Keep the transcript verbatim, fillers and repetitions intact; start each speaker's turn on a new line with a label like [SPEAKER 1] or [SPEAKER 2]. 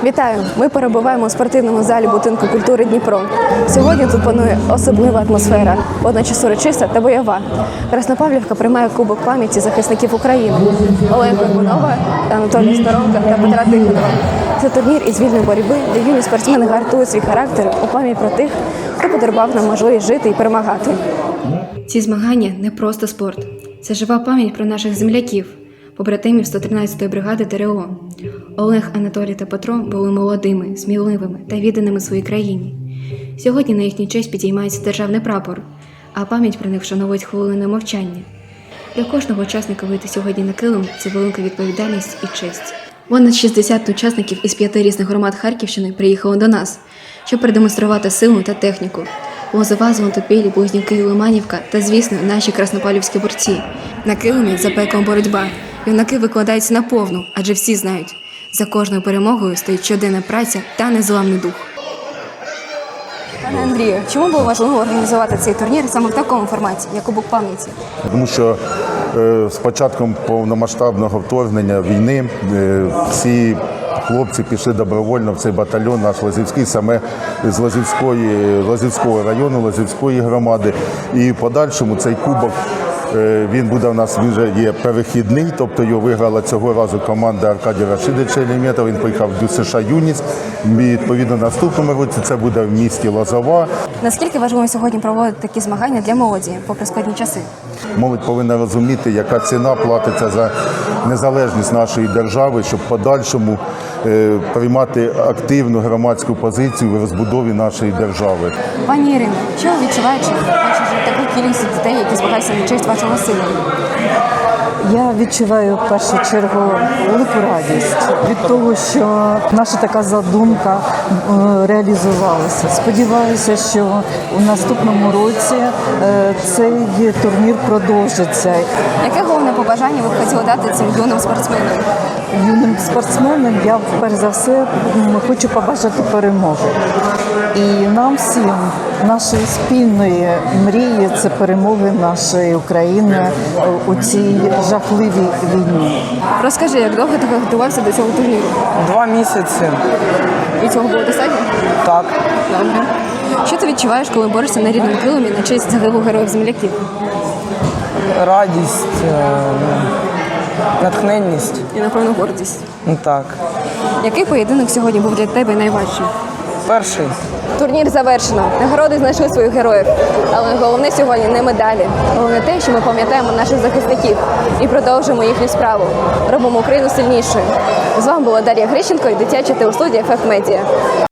[SPEAKER 1] Вітаю! Ми перебуваємо у спортивному залі будинку культури Дніпро. Сьогодні тут панує особлива атмосфера, водночас урочиста та бойова. Краснопавлівка приймає Кубок пам'яті захисників України Олега Горбунова, Анатолія Сторонка та Петра Тихонова. Це турнір із вільної боротьби, де юні спортсмени гартують свій характер у пам'ять про тих, хто подарував нам можливість жити і перемагати. Ці змагання не просто спорт. Це жива пам'ять про наших земляків, побратимів сто тринадцятої бригади ТРО. Олег, Анатолій та Петро були молодими, сміливими та відданими своїй країні. Сьогодні на їхню честь підіймається державний прапор, а пам'ять про них вшановують хвилиною мовчання. Для кожного учасника вийти сьогодні на килим – це велика відповідальність і честь. Понад шістдесят учасників із п'яти різних громад Харківщини приїхали до нас, щоб продемонструвати силу та техніку. Лозова, Золотопіль, Близнюки, Лиманівка та, звісно, наші краснопавлівські борці. На килимі за пеклом боротьба. Юнаки викладаються на повну, адже всі знають, за кожною перемогою стоїть щоденна праця та незламний дух. Пане Андрію, чому було важливо організувати цей турнір саме в такому форматі, як Кубок пам'яті?
[SPEAKER 2] Тому що е, з початком повномасштабного вторгнення війни е, всі хлопці пішли добровольно в цей батальйон наш Лозівський, саме з Лозівської, Лозівського району, Лозівської громади. І в подальшому цей кубок, е, він буде у нас, він вже є перехідний, тобто його виграла цього разу команда Аркадія Рашидовича Елемєтова, він поїхав до США Юність. Відповідно, наступному році це буде в місті Лозова.
[SPEAKER 1] Наскільки важливо сьогодні проводити такі змагання для молоді, попри складні часи?
[SPEAKER 2] Молодь повинна розуміти, яка ціна платиться за незалежність нашої держави, щоб в подальшому е, приймати активну громадську позицію в розбудові нашої держави.
[SPEAKER 1] Пані Ірино, що ви відчуваєте, бачите таку кількість дітей, які змагаються на честь вашого сина?
[SPEAKER 3] Я відчуваю в першу чергу велику радість від того, що наша така задумка реалізувалася. Сподіваюся, що у наступному році цей турнір продовжиться.
[SPEAKER 1] Яке головне побажання ви б хотіли дати цим юним спортсменам?
[SPEAKER 3] Юним спортсменам я, перш за все, хочу побажати перемоги. І нам всім, нашої спільної мрії – це перемоги нашої України у цій жахливій війні.
[SPEAKER 1] Розкажи, як довго ти готувався до цього турніру?
[SPEAKER 4] Два місяці.
[SPEAKER 1] І цього було достатньо?
[SPEAKER 4] Так.
[SPEAKER 1] Добре. Що ти відчуваєш, коли борешся на рідному килимі на честь загиблих героїв-земляків?
[SPEAKER 4] Радість, е, натхненність.
[SPEAKER 1] І, напевно, гордість.
[SPEAKER 4] Ну так.
[SPEAKER 1] Який поєдинок сьогодні був для тебе найважчим?
[SPEAKER 4] Перший.
[SPEAKER 1] Турнір завершено. Нагороди знайшли своїх героїв. Але головне сьогодні не медалі. Головне те, що ми пам'ятаємо наших захисників і продовжуємо їхню справу. Робимо Україну сильнішою. З вами була Дар'я Грищенко і дитяча телестудія еф еф Медіа.